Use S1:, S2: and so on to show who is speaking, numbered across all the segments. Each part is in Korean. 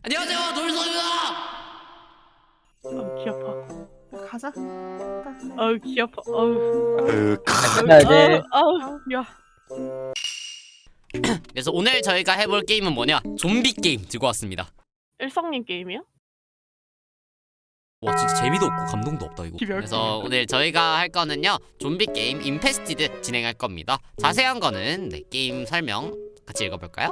S1: 안녕하세요, 돌소입니다.
S2: 귀 아파.
S3: 가자.
S2: 귀 아파.
S4: 가야지.
S2: 야.
S1: 그래서 오늘 저희가 해볼 게임은 뭐냐? 좀비 게임 들고 왔습니다.
S2: 일성님 게임이야?
S1: 와, 진짜 재미도 없고 감동도 없다 이거. 그래서 오늘 저희가 할 거는요, 좀비 게임 인페스티드 진행할 겁니다. 자세한 거는 게임 설명 같이 읽어볼까요?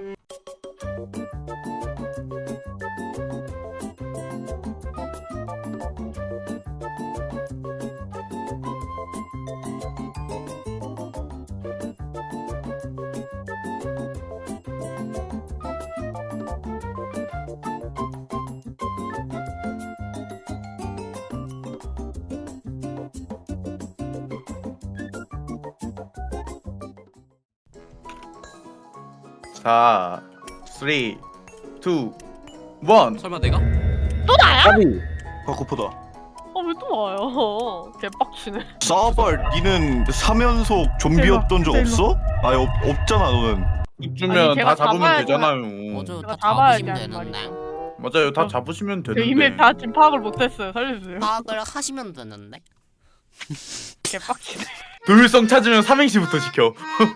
S5: 자, 3, 2, 1.
S1: 설마 내가?
S2: 또 나야?
S4: 까비.
S6: 바코프다.
S2: 왜 또 나요? 개빡치네.
S6: 싸발, 니는 3연속 좀비였던 적
S3: 일로.
S6: 없어? 아니 없잖아 너는.
S5: 입주면
S2: 걔가
S5: 다 잡으면
S2: 잡아야지.
S5: 되잖아요.
S1: 맞아,
S2: 내가
S1: 다
S2: 잡아야
S1: 잡으시면
S2: 되는
S1: 되는데.
S5: 맞아요, 다 잡으시면
S2: 그
S5: 되는데.
S2: 이메일 다 지금 파악을 못했어요. 살려주세요.
S1: 파악을 하시면 되는데.
S2: 개빡치네.
S5: 도율성 찾으면 삼행시부터 시켜.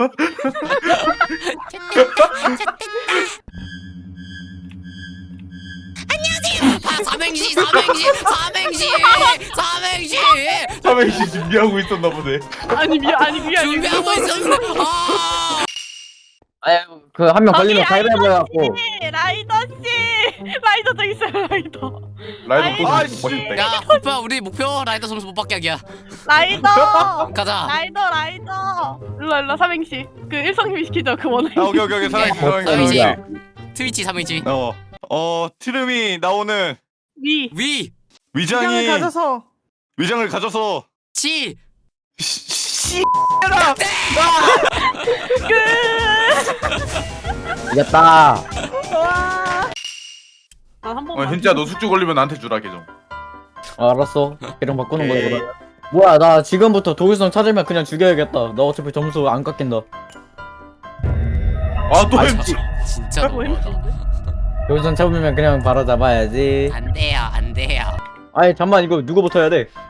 S1: 삼행시.
S5: 삼행시 준비하고 있었나 보네.
S2: 아니 그게 아니고.
S1: 준비하고 있었는데.
S4: 아니 그 한 명 걸리면 가위바위보 해갖고.
S2: 라이더 씨, 라이더 저기 있어요. 라이더.
S5: 라이더 또
S3: 아이씨.
S5: 멋있다.
S1: 야, 오빠 우리 목표 라이더 점수 못 받게 하기야.
S2: 라이더.
S1: 가자.
S2: 라이더. 일로 삼행시. 그 일성님이 시키죠. 그 원해.
S6: 아 오케이 사랑해
S1: 삼행시.
S4: 야.
S1: 트위치 삼행시.
S6: 트름이 나오는
S2: 위.
S1: 위.
S6: 위장이
S3: 위장을 가져서
S6: 위장을 가져서
S1: 치.
S4: 이겼다.
S2: 와. 한 번만.
S5: 현지야, 너 숙주 걸리면 나한테 주라 계정.
S4: 알았어. 계정 바꾸는 거야
S5: 오케이.
S4: 그럼. 뭐야 나 지금부터 도구성 찾으면 그냥 죽여야겠다. 나 어차피 점수 안 깎인다.
S5: 아, 또 현지.
S1: 진짜
S2: 뭐
S1: 너무하다.
S4: 도구성 잡으면 그냥 바로 잡아야지.
S1: 안 돼요.
S4: 아니 잠만 이거 누구부터 해야 돼?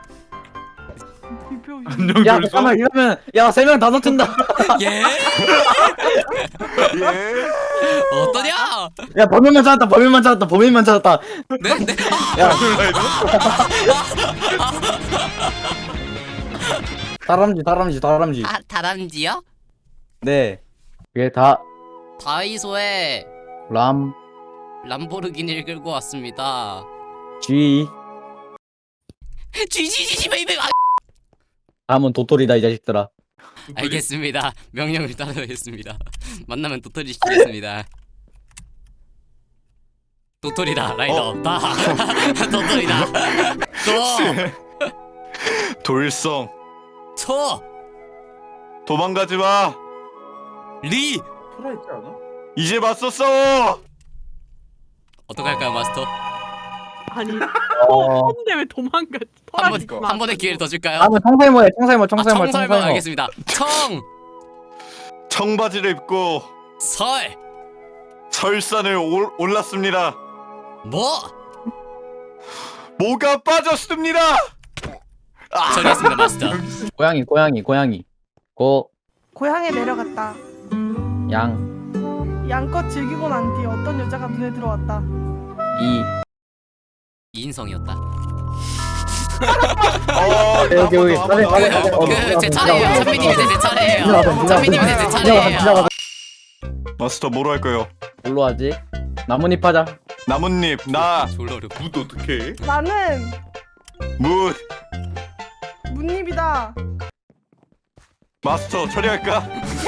S5: 안녕,
S4: 야
S5: 돌성.
S4: 잠깐만 이러면 야 3명 다 놓친다.
S1: 예?
S6: 예.
S1: 어떠냐?
S4: 야 범인만 찾았다.
S1: 네?
S4: 야
S5: 라이더?
S4: 다람쥐.
S1: 다람쥐요?
S4: 네. 그게 다
S1: 다이소에
S4: 람,
S1: 람보르기니를 끌고 왔습니다.
S4: 쥐.
S1: 쥐 베이베.
S4: 다음은 도토리다 이 자식들아.
S1: 알겠습니다. 명령을 따르겠습니다. 만나면 도토리 시키겠습니다. 도토리다 라이더. 다 도토리다.
S6: 돌성
S1: 초.
S6: 도망가지 마.
S1: 리.
S5: 살아 있지 않아?
S6: 이제 맞섰어.
S1: 어떡할까요, 마스터?
S2: 아니.
S4: 어.
S2: 근데 왜 도망가?
S1: 한 번의 기회를 더 줄까요?
S4: 다음은 청설모 해. 청설모.
S1: 청설모 알겠습니다.
S6: 청바지를 입고
S1: 설.
S6: 설산을 올랐습니다.
S1: 뭐?
S6: 뭐가 빠졌습니다.
S1: 처리했습니다, 마스터.
S4: 고양이.
S3: 고향에 내려갔다.
S4: 양.
S3: 양껏 즐기고 난 뒤 어떤 여자가 눈에 들어왔다.
S4: 이.
S1: 이인성이었다.
S4: 여기.
S1: 제 차례예요. 선배님 이제 제 차례예요. 선배님 이제 제 차례예요.
S6: 마스터 뭐로 할 거예요?
S4: 뭘로 하지? 나뭇잎 하자.
S6: 나뭇잎 나
S1: 졸라 어려워.
S5: 굿 어떡해?
S3: 나는
S6: 무.
S3: 문입이다.
S6: 마스터 처리할까?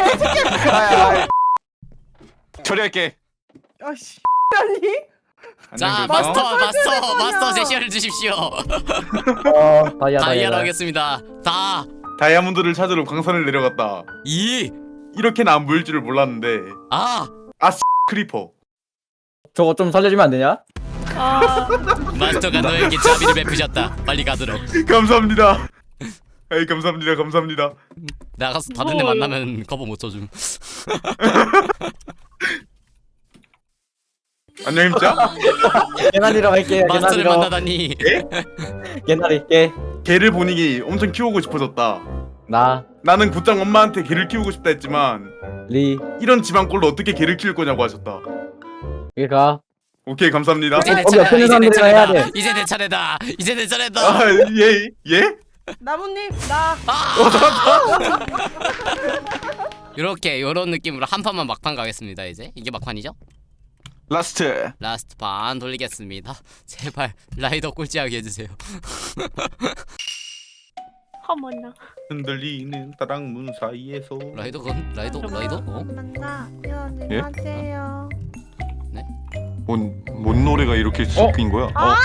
S6: 처리할게.
S3: 아씨 아니?
S1: 자,
S5: 안녕, 돌성.
S1: 마스터 제시어를 주십시오. 다이아로
S4: 다이아.
S1: 하겠습니다.
S5: 다이아몬드를 찾으러 광산을 내려갔다.
S1: 이.
S5: 이렇게는 안 보일 줄을 몰랐는데. 크리퍼.
S4: 저거 좀 살려주면 안 되냐?
S1: 마스터가 너에게 자비를 베푸셨다. 빨리 가도록.
S5: 감사합니다. 에이, 감사합니다.
S1: 나가서 다른 애 만나면 커버 못 쳐줌.
S5: 안녕 임자.
S4: 개나리로 갈게요.
S1: 마스터를
S4: 개나리로.
S1: 만나다니.
S4: 개나리 개.
S5: 개를 보니 엄청 키우고 싶어졌다.
S4: 나.
S5: 나는 곧장 엄마한테 개를 키우고 싶다 했지만
S4: 리.
S5: 이런 집안꼴로 어떻게 개를 키울 거냐고 하셨다.
S4: 여기 가.
S5: 오케이 감사합니다.
S1: 이제 내
S4: 거기 옆에
S1: 차례다.
S4: 있는
S1: 이제 내
S4: 사람들이랑 해야
S1: 차례다.
S4: 돼.
S1: 이제 내 차례다. 이제 내 차례다.
S5: 아, 예? 예?
S3: 나무님 나.
S1: 이렇게 요런 느낌으로 한 판만 막판 가겠습니다. 이제 이게 막판이죠?
S6: 라스트.
S1: 라스트 판 돌리겠습니다. 제발 라이더 꼴찌하게 해주세요.
S2: 어머나.
S5: 흔들리는 다락문 사이에서
S1: 라이더? 어?
S3: 만나. 이러지
S6: 예?
S3: 마세요.
S6: 뭔 노래가 이렇게 섞인 거야?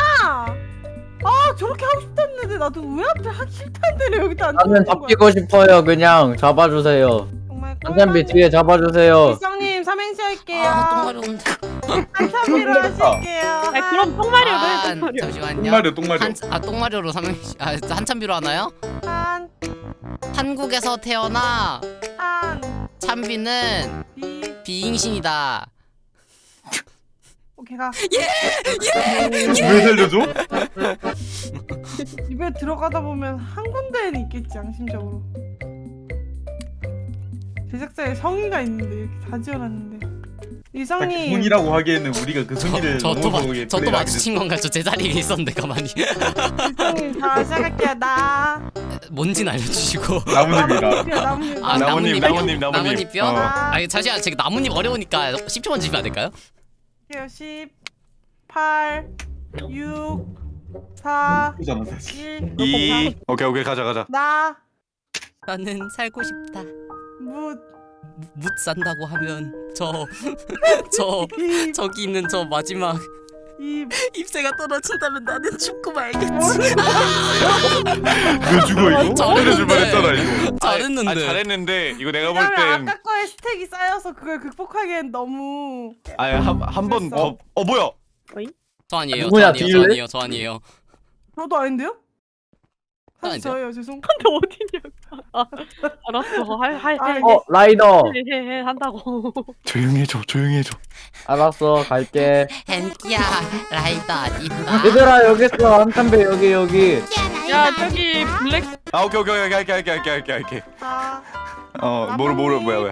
S3: 저렇게 하고 싶다는데 나도 왜 앞에 하기 싫다는데 여기다 안
S4: 나는 잡히고 싶어요. 그냥 잡아주세요.
S3: 정말
S4: 한잔비 뒤에 잡아주세요.
S3: 일성님 삼행시 할게요.
S1: 아 똥마려운데.
S3: 한참비로 하실게요.
S2: 아 그럼 똥마려로 해 똥마려.
S1: 잠시만요.
S5: 똥마려.
S1: 똥마려로 한참비로 하나요?
S3: 한,
S1: 한국에서 태어나
S3: 한,
S1: 참비는
S3: 비,
S1: 비잉신이다.
S3: 오케이 가.
S5: 왜 살려줘?
S3: 입에 들어가다 보면 한 군데에는 있겠지 양심적으로. 제작자의 성의가 있는데 이렇게 다 지어놨는데. 이성님.
S5: 군이라고 하기에는 우리가 그 순위를 넘어서게
S1: 저또 마주친 건가? 저 제자리에 있었는데 가만히.
S3: 이성님 자 시작할게요. 나.
S1: 뭔진 알려주시고.
S5: 나무님이라.
S3: 나무님.
S1: 아,
S6: 나뭇잎.
S1: 나뭇잎이요?
S6: 어.
S1: 아니 잠시만 제가 나뭇잎 어려우니까 10초만 주시면 안 될까요?
S3: 10, 8, 6, 4,
S5: 그잖아 사실.
S3: 1.
S6: 2. 오케이 가자.
S3: 나.
S1: 나는 살고 싶다.
S3: 무.
S1: 못 산다고 하면 저
S3: 입.
S1: 저기 있는 저 마지막
S3: 입.
S1: 잎새가 떨어진다면 나는 죽고 말겠지.
S5: 너 죽어 이거?
S1: 잘했는데.
S5: 때려줄 뻔했잖아 이거.
S1: 잘했는데.
S6: 잘했는데 이거 내가 볼
S3: 왜냐면
S6: 땐
S3: 아까 거에 스택이 쌓여서 그걸 극복하기엔 너무.
S6: 한 번 더. 뭐야?
S1: 저 아니에요.
S4: 누구야,
S1: 저
S4: 뒤일래?
S1: 아니에요. 저 아니에요.
S3: 저도 아닌데요? 사실
S1: 아닌데요?
S3: 저예요. 죄송.
S2: 근데 어디냐고. 아, 알았어. 할
S4: 라이더.
S2: 해 한다고.
S6: 조용히 해줘.
S4: 알았어, 갈게.
S1: 헨키야 라이더 어디가?
S4: 얘들아 여기 있어. 한참비 여기.
S2: 야 저기 블랙
S6: 아 오케이 할게.
S3: 자.
S6: 뭐야?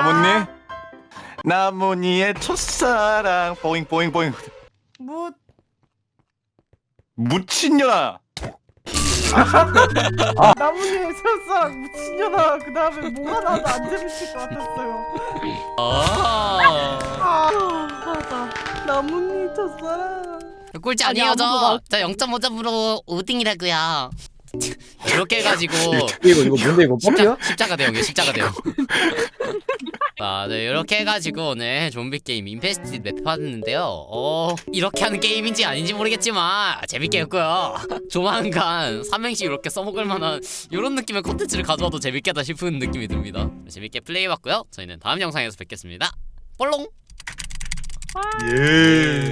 S6: 나뭇잎의 첫사랑 보잉
S3: 무.
S6: 무친년아.
S3: 나무님 새우사랑 무친년아. 그 다음에 뭐가 나도 안 재밌을 것 같았어요. 맞아. 나무님 첫사랑.
S1: 꼴찌
S2: 아니,
S1: 아니에요
S2: 아무도
S1: 저 0.5점으로 5등이라고요. 이렇게 해가지고
S4: 이거 뭔데 이거 뻑이야?
S1: 십자가 대형이에요. 십자가 대형. 자, 네, 이렇게 해가지고 오늘 좀비 게임 인페스티드 맵 받았는데요. 이렇게 하는 게임인지 아닌지 모르겠지만 재밌게 했고요. 조만간 삼행시 이렇게 써먹을 만한 이런 느낌의 콘텐츠를 가져와도 재밌겠다 싶은 느낌이 듭니다. 재밌게 플레이해봤고요. 저희는 다음 영상에서 뵙겠습니다. 볼롱.
S5: 예.